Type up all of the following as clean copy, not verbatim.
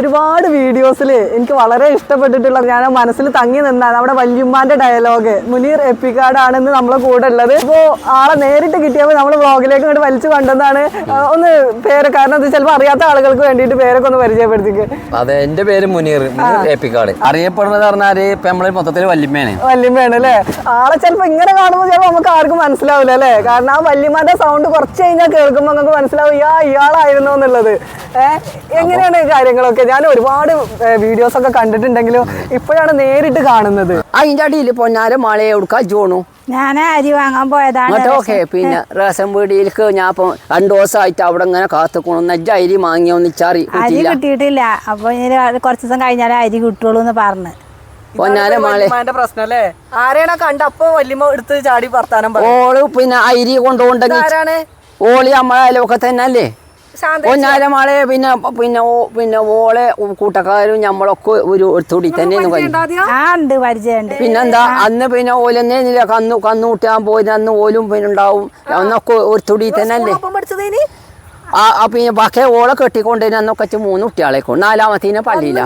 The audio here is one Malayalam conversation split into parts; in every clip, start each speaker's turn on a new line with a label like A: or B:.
A: ഒരുപാട് വീഡിയോസിൽ എനിക്ക് വളരെ ഇഷ്ടപ്പെട്ടിട്ടുള്ള ഞാൻ മനസ്സിൽ തങ്ങി നിന്നാണ് നമ്മുടെ വല്യമ്മാന്റെ ഡയലോഗ്. മുനീർ എപ്പിക്കാട് ആണെന്ന് നമ്മളെ കൂടെ ഉള്ളത്. ഇപ്പോൾ ആളെ നേരിട്ട് കിട്ടിയപ്പോൾ നമ്മൾ വ്ളോഗിലേക്ക് ഇങ്ങോട്ട് വലിച്ചു കൊണ്ടുവന്നാണ്. ഒന്ന് പേര്, കാരണം അത് ചിലപ്പോൾ അറിയാത്ത ആളുകൾക്ക് വേണ്ടിയിട്ട് പേരൊക്കെ ഒന്ന് പരിചയപ്പെടുത്തിക്ക്.
B: അതെ, എന്റെ പേര് മുനീർ എപ്പിക്കാട്. അറിയപ്പെടുന്നത് പറഞ്ഞാല് ഇപ്പൊ നമ്മള് മൊത്തത്തിൽ വല്യമ്മയാണ്
A: അല്ലേ. ആളെ ചിലപ്പോ ഇങ്ങനെ കാണുമ്പോൾ ചിലപ്പോൾ നമുക്ക് ആർക്കും മനസ്സിലാവില്ല അല്ലേ. കാരണം ആ വല്യമ്മാന്റെ സൗണ്ട് കുറച്ച് കഴിഞ്ഞാൽ കേൾക്കുമ്പോൾ നമുക്ക് മനസ്സിലാവും ഇയാളായിരുന്നു എന്നുള്ളത്. എങ്ങനെയാണ് കാര്യങ്ങളൊക്കെ? ഞാൻ ഒരുപാട് വീഡിയോസ് ഒക്കെ കണ്ടിട്ടുണ്ടെങ്കിലും ഇപ്പോഴാണ് നേരിട്ട് കാണുന്നത്.
C: അതിന്റെ അടിയിൽ പൊന്നാര മഴയെ എടുക്കാൻ ജോണു
D: ഞാൻ അരി വാങ്ങാൻ പോയതാണ്.
C: ഓക്കെ, പിന്നെ റേഷൻ പീടിയിലേക്ക് ഞാൻ ഇപ്പൊ 2 ദിവസമായിട്ട് അവിടെ ഇങ്ങനെ കാത്തുക്കണം. നെജ്ജ അരി വാങ്ങിയൊന്നിച്ചറി
D: അരി കിട്ടിയിട്ടില്ല. അപ്പൊ കുറച്ച് ദിവസം കഴിഞ്ഞാലേ അരി കിട്ടുള്ളൂ എന്ന് പറഞ്ഞു.
C: പൊന്നാര മഴ
A: പ്രശ്നം അല്ലേ? ആരെയാണോ കണ്ട അപ്പൊ വല്യമ്മ എടുത്ത് ചാടി വർത്താനം
C: ഓള് പിന്നെ അരി കൊണ്ടുപോണ്ടെങ്കിൽ ഓളി നമ്മളെ അയലൊക്കെ തന്നെ അല്ലേ പൊന്നാര മഴ. പിന്നെ പിന്നെ പിന്നെ ഓളെ കൂട്ടക്കാരും നമ്മളൊക്കെ ഒരു തൊടി തന്നെ
D: പരിചയമുണ്ട്.
C: പിന്നെന്താ അന്ന് പിന്നെ ഓലെന്നെ കന്നു കൂട്ടാൻ പോയി അന്ന് ഓലും പിന്നെ ഉണ്ടാവും. അന്നൊക്കെ ഒരു തൊടി തന്നെ അല്ലേ. പിന്നെ ബാക്കി ഓളെ കെട്ടിക്കൊണ്ടേന് അന്നൊക്കെ 3 കുട്ടികളെ കൊണ്ട് 4ാമത്തേനെ പള്ളിയില്ല.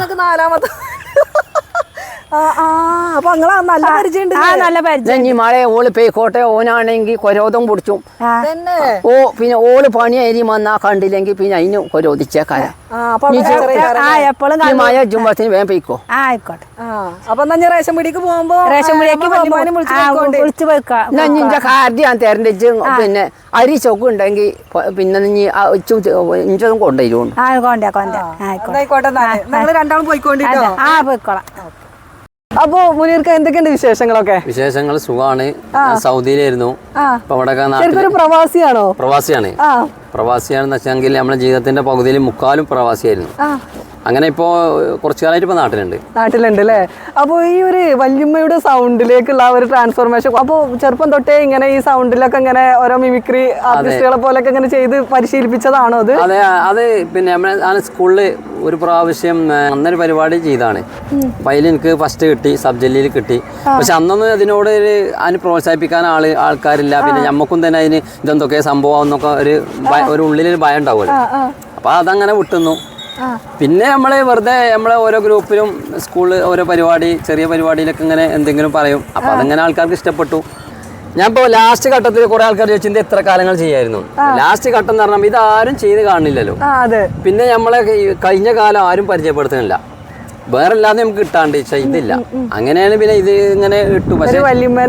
A: അപ്പൊ നല്ല പരിചയം.
C: മഴ ഓള് പേക്കോട്ടെ ഓനാണെങ്കിൽ കൊരോധം പിടിച്ചും. പിന്നെ ഓള് പണി അരി വന്നാ കണ്ടില്ലെങ്കിൽ പിന്നെ അതിന് കൊരോധിച്ചേക്കാരാ. മഴ ജുമ്പത്തിന് വേഗം പെയ്ക്കോ.
D: ആയിക്കോട്ടെ.
A: അപ്പൊ റേഷൻ പീടിക്ക് പോകുമ്പോ
C: നിന്റെ കാർഡ് ഞാൻ തരണ്ട. പിന്നെ അരി ചൊക്ക് ഉണ്ടെങ്കിൽ പിന്നെ ഇഞ്ചതും കൊണ്ടുവരുന്നു.
A: രണ്ടാളും
D: പോയിക്കോളാം.
A: അപ്പൊ മുനീർക്ക് എന്തൊക്കെയുണ്ട് വിശേഷങ്ങളൊക്കെ?
B: വിശേഷങ്ങൾ സുഖമാണ്. സൗദിയിലായിരുന്നു. ഇപ്പൊ
A: ഇവിടെ പ്രവാസിയാണോ?
B: പ്രവാസിയാണ്. പ്രവാസിയാണെന്ന് വെച്ചെങ്കിൽ നമ്മുടെ ജീവിതത്തിന്റെ പകുതിയിൽ മുക്കാലും പ്രവാസിയായിരുന്നു. അങ്ങനെ ഇപ്പോ കുറച്ചു കാലമായിട്ട് ഇപ്പൊ നാട്ടിലുണ്ട്
A: അല്ലേ. അപ്പൊ ഈ ഒരു വല്യമ്മയുടെ സൗണ്ടിലേക്കുള്ള ഒരു ട്രാൻസ്ഫോർമേഷൻ, അപ്പൊ ചെറുപ്പം തൊട്ടേ ഇങ്ങനെ ഈ സൗണ്ടിലൊക്കെ ഇങ്ങനെ ഓരോ മിമിക്രി ആർട്ടിസ്റ്റുകളെ പോലൊക്കെ ഇങ്ങനെ ചെയ്ത് പരിശീലിപ്പിച്ചതാണോ അത്?
B: അതെ, അത് പിന്നെ നമ്മളെ സ്കൂളിൽ ഒരു പ്രാവശ്യം അന്നൊരു പരിപാടി ചെയ്താണ്. അപ്പൊ അതിൽ എനിക്ക് ഫസ്റ്റ് കിട്ടി, സബ് ജില്ലയിൽ കിട്ടി. പക്ഷെ അന്നൊന്നും അതിനോട് അതിന് പ്രോത്സാഹിപ്പിക്കാൻ ആൾക്കാരില്ല. പിന്നെ ഞമ്മക്കും തന്നെ അതിന് ഇതെന്തൊക്കെ സംഭവം എന്നൊക്കെ ഒരു ഉള്ളിലൊരു ഭയം ഉണ്ടാവുമല്ലോ. അപ്പൊ അതങ്ങനെ വിട്ടുന്നു. പിന്നെ നമ്മള് വെറുതെ നമ്മളെ ഓരോ ഗ്രൂപ്പിലും സ്കൂളിൽ ഓരോ പരിപാടി, ചെറിയ പരിപാടിയിലൊക്കെ ഇങ്ങനെ എന്തെങ്കിലും പറയും. അപ്പൊ അതങ്ങനെ ആൾക്കാർക്ക് ഇഷ്ടപ്പെട്ടു. ഞാൻ ഇപ്പോൾ ലാസ്റ്റ് ഘട്ടത്തിൽ കുറെ ആൾക്കാർ ചോദിച്ചത് എത്ര കാലങ്ങൾ ചെയ്യായിരുന്നു. ലാസ്റ്റ് ഘട്ടം എന്ന് പറഞ്ഞാൽ ഇതാരും ചെയ്ത് കാണില്ലല്ലോ. പിന്നെ നമ്മളെ കഴിഞ്ഞ കാലം ആരും പരിചയപ്പെടുത്തുന്നില്ല. വേറെ അല്ലാതെ നമുക്ക് കിട്ടാണ്ട് ഇതില്ല. അങ്ങനെയാണ് പിന്നെ ഇത് ഇങ്ങനെ ഇട്ടു. പക്ഷേ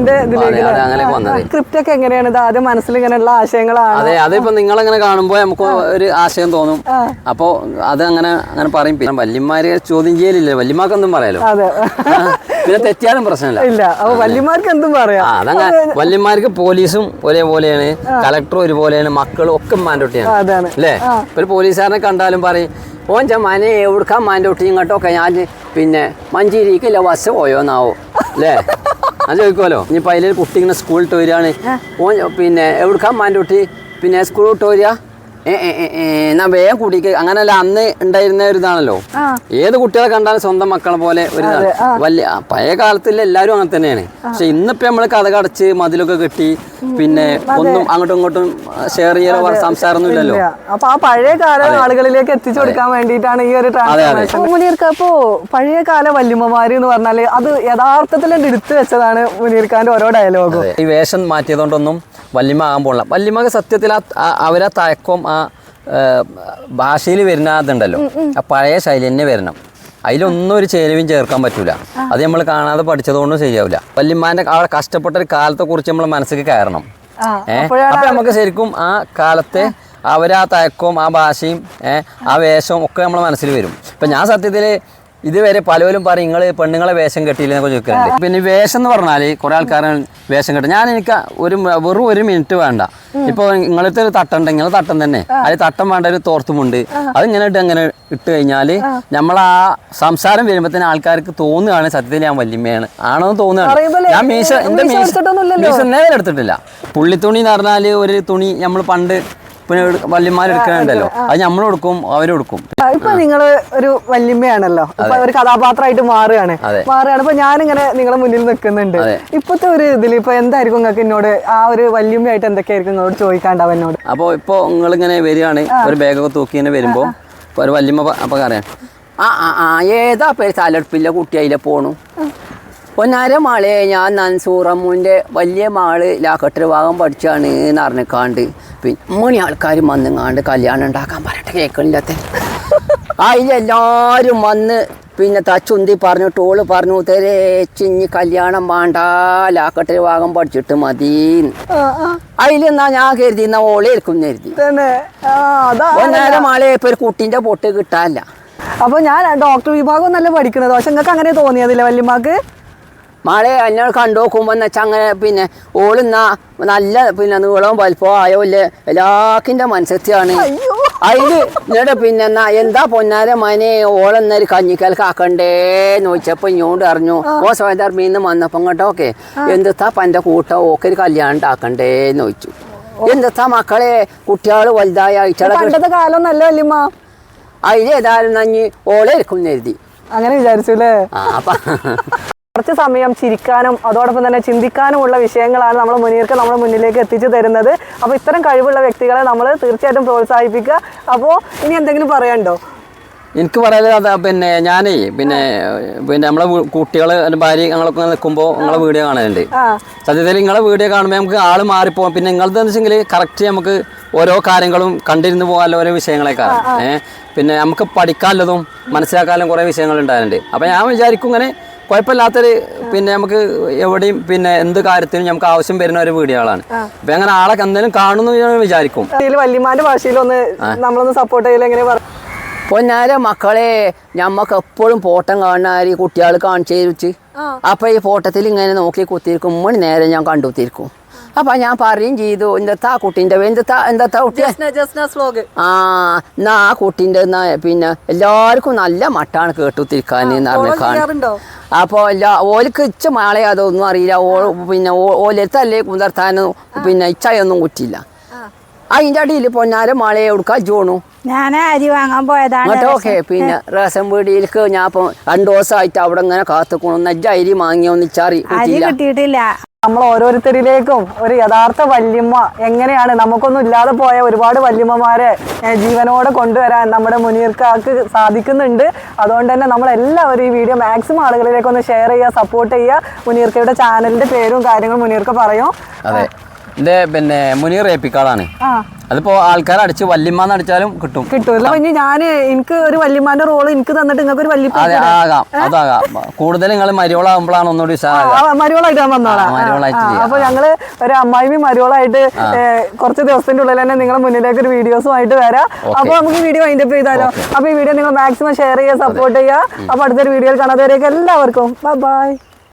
B: അങ്ങനെ വന്നത്
A: സ്ക്രിപ്റ്റ് ഒക്കെ എങ്ങനെയാണ്? ആദ്യം മനസ്സിൽ ഇങ്ങനെയുള്ള ആശയങ്ങളാണ്.
B: അതെ, അതിപ്പോ നിങ്ങളങ്ങനെ കാണുമ്പോൾ നമുക്ക് ഒരു ആശയം തോന്നും. അപ്പൊ അത് അങ്ങനെ പറയും. പിന്നെ വല്യമാരെ ചോദ്യം ചെയ്യലില്ല. വല്യമാർക്കൊന്നും പറയാലോ. പിന്നെ തെറ്റിയാലും പ്രശ്നമില്ല.
A: വല്യമാർക്ക് എന്തും പറയാം.
B: അതങ്ങനെ വല്യമാർക്ക് പോലീസും ഒരേപോലെയാണ്, കളക്ടറും ഒരുപോലെയാണ്, മക്കളും ഒക്കെ മാൻഡോട്ടിയാണ് അല്ലേ. ഒരു പോലീസുകാരനെ കണ്ടാലും പറയും ഓൻ മനെ എവിടുക്കാൻ മാൻഡോട്ടി ഇങ്ങോട്ടൊക്കെ ഞാൻ പിന്നെ മഞ്ചേരിക്കല്ല ബസ് പോയോന്നാവോ അല്ലേ. ഞാൻ ചോദിക്കുമല്ലോ. ഇനിയിപ്പോൾ അതിലൊരു കുട്ടി ഇങ്ങനെ സ്കൂളിൽ വരികയാണ്, ഓൻ പിന്നെ എവിടുക്കാൻ മാൻഡോട്ടി പിന്നെ സ്കൂളിൽ വിട്ട് വരിക എന്നാ വേഗം കുടിക്ക്. അങ്ങനല്ല അന്ന് ഉണ്ടായിരുന്ന ഒരു ഇതാണല്ലോ. ഏത് കുട്ടികളെ കണ്ടാലും സ്വന്തം മക്കളെ പോലെ ഒരു വലിയ പഴയ കാലത്തിലെ എല്ലാവരും അങ്ങനെ തന്നെയാണ്. പക്ഷെ ഇന്നിപ്പോ നമ്മള് കഥ കടച്ച് മതിലൊക്കെ കെട്ടി പിന്നെ ഒന്നും അങ്ങോട്ടും ഇങ്ങോട്ടും ഷെയർ ചെയ്യാനോ സംസാരമൊന്നും ഇല്ലല്ലോ.
A: അപ്പൊ ആ പഴയ കാല ആളുകളിലേക്ക് എത്തിച്ചു കൊടുക്കാൻ വേണ്ടിയിട്ടാണ് ഈ ഒരു ട്രാൻസ്ഫോർമേഷൻ. മുനീർക്ക് അപ്പോ പഴയ കാല വല്യമ്മമാര് എന്ന് പറഞ്ഞാല് അത് യഥാർത്ഥത്തിൽ എടുത്തു വെച്ചതാണ് മുനീർക്കാന്റെ ഓരോ ഡയലോഗും.
B: ഈ വേഷം മാറ്റിയതുകൊണ്ടൊന്നും വല്യമ്മ ആകാൻ പോകില്ല. വല്യമ്മക്ക് സത്യത്തിൽ അവരാ തയക്കം ആ ഭാഷയിൽ വരുന്ന അതുണ്ടല്ലോ, ആ പഴയ ശൈലി തന്നെ വരണം. അതിലൊന്നും ഒരു ചേരുവയും ചേർക്കാൻ പറ്റൂല. അത് നമ്മൾ കാണാതെ പഠിച്ചതുകൊണ്ടും ശരിയാവില്ല. വല്യമ്മാന്റെ അവിടെ കഷ്ടപ്പെട്ട ഒരു കാലത്തെ കുറിച്ച് നമ്മൾ മനസ്സിൽ കയറണം. അപ്പൊ നമുക്ക് ശരിക്കും ആ കാലത്തെ അവരാ തയക്കവും ആ ഭാഷയും ആ വേഷവും ഒക്കെ നമ്മളെ മനസ്സിൽ വരും. ഇപ്പൊ ഞാൻ സത്യത്തില് ഇതുവരെ പലരും പറയും നിങ്ങൾ പെണ്ണുങ്ങളെ വേഷം കെട്ടിയില്ലെന്നൊക്കെ ചോദിക്കുന്നുണ്ട്. പിന്നെ വേഷം എന്ന് പറഞ്ഞാൽ കുറെ ആൾക്കാരെ വേഷം കെട്ടും. എനിക്ക് വെറും 1 മിനിറ്റ് വേണ്ട. ഇപ്പോൾ നിങ്ങളത്തെ ഒരു തട്ടുണ്ടെങ്കിൽ തട്ടം തന്നെ, അതിൽ തട്ടം വേണ്ട ഒരു തോർത്തുമുണ്ട്, അതിങ്ങനെ അങ്ങനെ ഇട്ട് കഴിഞ്ഞാൽ നമ്മൾ ആ സംസാരം വരുമ്പോൾ തന്നെ ആൾക്കാർക്ക് തോന്നുകയാണ് സത്യത്തിൽ ഞാൻ വല്യമ്മയാണ് ആണോ തോന്നുകയാണ്. ഞാൻ മീശ നേരെ എടുത്തിട്ടില്ല. പുള്ളിത്തുണി എന്ന് പറഞ്ഞാൽ ഒരു തുണി നമ്മൾ പണ്ട് പിന്നെ വല്യമാരെടുക്കണുണ്ടല്ലോ, അത് നമ്മൾ കൊടുക്കും അവരും കൊടുക്കും.
A: ഇപ്പൊ നിങ്ങള് ഒരു വല്യമ്മയാണല്ലോ, ഇപ്പൊ ഒരു കഥാപാത്രമായിട്ട് മാറുകയാണ്. ഇപ്പൊ ഞാനിങ്ങനെ നിങ്ങളെ മുന്നിൽ നിൽക്കുന്നുണ്ട്. ഇപ്പത്തെ ഒരു ഇതിൽ ഇപ്പൊ എന്തായിരിക്കും നിങ്ങൾക്ക് എന്നോട് ആ ഒരു വല്യമ്മയായിട്ട് എന്തൊക്കെയായിരിക്കും നിങ്ങളോട് ചോദിക്കാണ്ടാവും എന്നോട്?
B: അപ്പൊ ഇപ്പൊ നിങ്ങളിങ്ങനെ വരികയാണ്, ഒരു ബാഗൊക്കെ തൂക്കി ഇങ്ങനെ വരുമ്പോ ഒരു വല്യമ്മ അപ്പൊ അറിയാം
C: ഏതാ പേര് തലടുപ്പില്ല കുട്ടി അതിലെ പോണു പൊന്നാര മാളെ ഞാൻ നൻസൂറമ്മൂൻ്റെ വലിയ മാള് ലാക്കട്ടർ ഭാഗം പഠിച്ചാണ് എന്ന് അറിഞ്ഞിക്കാണ്ട് പിന്നെ മണി ആൾക്കാർ വന്നുങ്ങാണ്ട് കല്യാണം ഉണ്ടാക്കാൻ പറഞ്ഞിട്ട് കേൾക്കണില്ലാത്ത അതിലെല്ലാവരും വന്ന് പിന്നെ തച്ചുന്തി പറഞ്ഞിട്ട് ഓള് പറഞ്ഞു തെരേച്ചിഞ്ഞ് കല്യാണം വേണ്ട ലാക്കട്ടർ ഭാഗം പഠിച്ചിട്ട് മതി അതിലെന്നാ ഞാൻ കരുതി എന്നാ ഓളെ ഇരിക്കും കരുതി പൊന്നാര മാളെ ഇപ്പൊ ഒരു കുട്ടീൻ്റെ പൊട്ട് കിട്ടാനില്ല.
A: അപ്പൊ ഞാൻ ഡോക്ടർ വിഭാഗം നല്ല പഠിക്കണത്, പക്ഷെ നിങ്ങൾക്ക് അങ്ങനെ തോന്നിയതില്ല വല്യമ്മക്ക്?
C: മാളെ എന്നെ കണ്ടു നോക്കുമ്പോൾ എന്ന് വെച്ചാൽ അങ്ങനെ പിന്നെ ഓളിന്നാ നല്ല പിന്നെ നീളവും വലിപ്പവും ആയോല്ലേ എല്ലാക്കിൻ്റെ മനസ്സെത്തിയാണ്. അതിൽ എന്നിട്ട് പിന്നെ എന്നാ എന്താ പൊന്നാര മനെ ഓളെന്നൊരു കഞ്ഞിക്കൽക്ക് ആക്കണ്ടേന്ന് ചോദിച്ചപ്പോൾ ഇങ്ങോട്ട് അറിഞ്ഞു ഓ സ്വയധർമ്മീന്ന് വന്നപ്പം കേട്ടോക്കെ എന്തെത്താ പൻ്റെ കൂട്ടം ഓക്കെ ഒരു കല്യാണം ഉണ്ടാക്കണ്ടേന്ന് ചോദിച്ചു. എന്തെത്താ മക്കളെ കുട്ടികൾ വലുതായ
A: പണ്ടത്തെ കാലം നല്ല വല്യമ്മ.
C: അതിലേതായാലും നഞ്ഞ് ഓളെ ഇരിക്കും എഴുതി
A: അങ്ങനെ വിചാരിച്ചു അല്ലേ? കുറച്ച് സമയം ചിരിക്കാനും അതോടൊപ്പം തന്നെ ചിന്തിക്കാനുമുള്ള വിഷയങ്ങളാണ് നമ്മൾ മുനീർക്ക് നമ്മുടെ മുന്നിലേക്ക് എത്തിച്ചു തരുന്നത്. അപ്പോൾ ഇത്തരം കഴിവുള്ള വ്യക്തികളെ നമ്മൾ തീർച്ചയായിട്ടും പ്രോത്സാഹിപ്പിക്കുക. അപ്പോൾ ഇനി എന്തെങ്കിലും പറയാനുണ്ടോ?
B: എനിക്ക് പറയാനുള്ളത് പിന്നെ ഞാനേ പിന്നെ നമ്മളെ കുട്ടികൾ ഭാര്യ ഞങ്ങളൊക്കെ നിൽക്കുമ്പോൾ നിങ്ങളെ വീഡിയോ കാണലുണ്ട്. സത്യത്തിൽ നിങ്ങളെ വീഡിയോ കാണുമ്പോൾ നമുക്ക് ആൾ മാറിപ്പോകും. പിന്നെ നിങ്ങളത് വെച്ചെങ്കിൽ കറക്റ്റ് നമുക്ക് ഓരോ കാര്യങ്ങളും കണ്ടിരുന്ന് പോകാനുള്ള ഓരോ വിഷയങ്ങളൊക്കെ പിന്നെ നമുക്ക് പഠിക്കാനുള്ളതും മനസ്സിലാക്കാനും കുറേ വിഷയങ്ങൾ ഉണ്ടായിട്ടുണ്ട്. അപ്പോൾ ഞാൻ വിചാരിക്കും ഇങ്ങനെ കുഴപ്പമില്ലാത്തൊരു പിന്നെ നമുക്ക് എവിടെയും പിന്നെ എന്ത് കാര്യത്തിനും നമുക്ക് ആവശ്യം വരുന്ന ഒരു വീഡിയോകളാണ്. അപ്പൊ അങ്ങനെ ആളെ എന്തെങ്കിലും കാണുന്നു വിചാരിക്കും.
A: വല്യമാന്റെ ഭാഷയിലൊന്ന് നമ്മളൊന്ന് സപ്പോർട്ട് ചെയ്യില്ല എങ്ങനെ പറ
C: പൊന്നാര മക്കളെ ഞമ്മക്ക് എപ്പോഴും ഫോട്ടം കാണാൻ കുട്ടികൾ കാണിച്ചു തരുച്ച്. അപ്പൊ ഈ ഫോട്ടത്തിൽ ഇങ്ങനെ നോക്കി കുത്തിയിരിക്കും മണി നേരം ഞാൻ കണ്ടുത്തിരിക്കും. അപ്പൊ ഞാൻ പറയും ചെയ്തു എന്താ കുട്ടീൻ്റെ എന്താ കുട്ടി എന്നാ ആ കുട്ടീൻ്റെ പിന്നെ എല്ലാവർക്കും നല്ല മട്ടാണ് കേട്ടുത്തിരിക്കാൻ അറിഞ്ഞാണ്. അപ്പോൾ ഓലിക്ക് ഇച്ച മാളെ അതൊന്നും അറിയില്ല. പിന്നെ ഓലെടുത്തല്ലേ കുതിർത്താനും പിന്നെ ഇച്ചയൊന്നും കുറ്റില്ല. അതിൻ്റെ അടിയിൽ പൊന്നാര മാളയെ എടുക്കാൻ ജോണു
D: ഞാൻ അരി വാങ്ങാൻ പോയതാണ്.
C: ഓക്കെ പിന്നെ റേഷൻ പീടിയിലേക്ക് ഞാൻ ഇപ്പം 2 ദിവസമായിട്ട് അവിടെ ഇങ്ങനെ കാത്തുക്കണു. നജ്ജ അരി വാങ്ങിയൊന്നും ഇച്ചറി
D: കിട്ടിയിട്ടില്ല.
A: നമ്മൾ ഓരോരുത്തരിലേക്കും ഒരു യഥാർത്ഥ വല്യമ്മ എങ്ങനെയാണ് നമുക്കൊന്നും ഇല്ലാതെ പോയ ഒരുപാട് വല്യമ്മമാരെ ജീവനോടെ കൊണ്ടുവരാൻ നമ്മുടെ മുനീർക്കാക്ക് സാധിക്കുന്നുണ്ട്. അതുകൊണ്ട് തന്നെ നമ്മളെല്ലാവരും ഈ വീഡിയോ മാക്സിമം ആളുകളിലേക്കൊന്ന് ഷെയർ ചെയ്യുക, സപ്പോർട്ട് ചെയ്യുക. മുനീർക്കയുടെ ചാനലിന്റെ പേരും കാര്യങ്ങളും മുനീർക്ക് പറയും.
B: അതെ, എൻ്റെ പിന്നെ മുനീർ ഏപ്പിക്കാളാണ്. അതിപ്പോ ആൾക്കാർ അടിച്ച് വല്യമ്മാന്ന് അടിച്ചാലും കിട്ടും.
A: കിട്ടുമല്ലോ. ഇനി ഞാൻ എനിക്ക് ഒരു വല്യമ്മാന്റെ റോള് എനിക്ക് തന്നിട്ട് നിങ്ങൾക്ക് ഒരു വല്യപ്പ
B: അതാകാം. കൂടുതൽ നിങ്ങൾ മരിയോളാകുമ്പോഴാണ് ഒന്നുകൂടി
A: മരിയോളായിട്ട് ഞാൻ വന്നോളാം. അപ്പൊ ഞങ്ങള് ഒരു അമ്മായിമ മരിയോളായിട്ട് കുറച്ച് ദിവസത്തിന്റെ ഉള്ളിൽ തന്നെ നിങ്ങളുടെ മുന്നിലേക്ക് ഒരു വീഡിയോസുമായിട്ട് വരാം. അപ്പൊ നമുക്ക് ഈ വീഡിയോ വൈൻഡപ്പ് ചെയ്താലോ? അപ്പൊ ഈ വീഡിയോ നിങ്ങൾ മാക്സിമം ഷെയർ ചെയ്യുക, സപ്പോർട്ട് ചെയ്യുക. അപ്പൊ അടുത്തൊരു വീഡിയോയിൽ കാണാത്തവരേക്ക് എല്ലാവർക്കും ബൈ.